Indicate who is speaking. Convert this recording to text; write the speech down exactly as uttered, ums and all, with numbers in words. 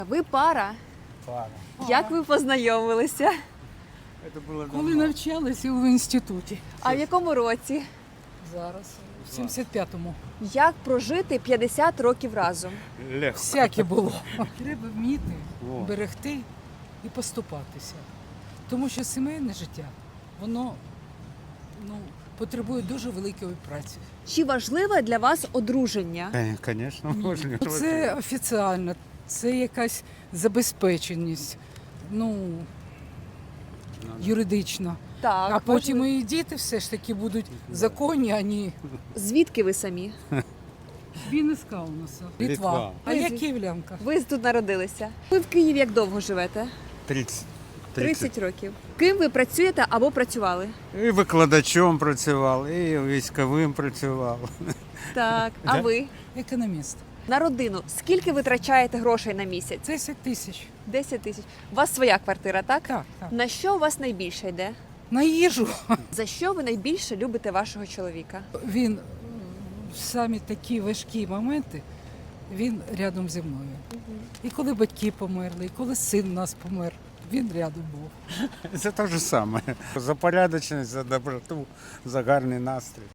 Speaker 1: Ви пара.
Speaker 2: Пара.
Speaker 1: Як ви познайомилися?
Speaker 2: Це було
Speaker 3: Коли
Speaker 2: давно.
Speaker 3: навчалися в інституті.
Speaker 1: А в якому році?
Speaker 3: Зараз, в сімдесят п'ятому.
Speaker 1: Як прожити п'ятдесят років разом?
Speaker 2: Легко.
Speaker 3: Всяке було. Треба вміти,
Speaker 2: Во.
Speaker 3: берегти і поступатися. Тому що сімейне життя, воно ну, потребує дуже великої праці.
Speaker 1: Чи важливе для вас одруження?
Speaker 2: Звісно, можна.
Speaker 3: Це офіціально, це якась забезпеченість, ну, юридично.
Speaker 1: Так.
Speaker 3: А потім
Speaker 1: важливо.
Speaker 3: і діти все ж таки будуть законні, а не
Speaker 1: Звідки ви самі?
Speaker 3: Вінницька у нас. Літва.
Speaker 2: Литва.
Speaker 3: А я київлянка.
Speaker 1: Ви тут народилися. Ви в Києві як довго живете?
Speaker 2: тридцять.
Speaker 1: тридцять років. Ким ви працюєте або працювали?
Speaker 2: І викладачом працював, і військовим працював.
Speaker 1: Так. А
Speaker 2: Да.
Speaker 1: ви?
Speaker 3: Економіст.
Speaker 1: На родину. Скільки витрачаєте грошей на місяць?
Speaker 3: десять тисяч.
Speaker 1: десять тисяч. У вас своя квартира, так?
Speaker 3: Так, так.
Speaker 1: На що у вас найбільше йде?
Speaker 3: На їжу.
Speaker 1: За що ви найбільше любите вашого чоловіка?
Speaker 3: Він в самі такі важкі моменти, він рядом зі мною. І коли батьки померли, і коли син у нас помер, він рядом був.
Speaker 2: Це те ж саме. За порядочність, за доброту, за гарний настрій.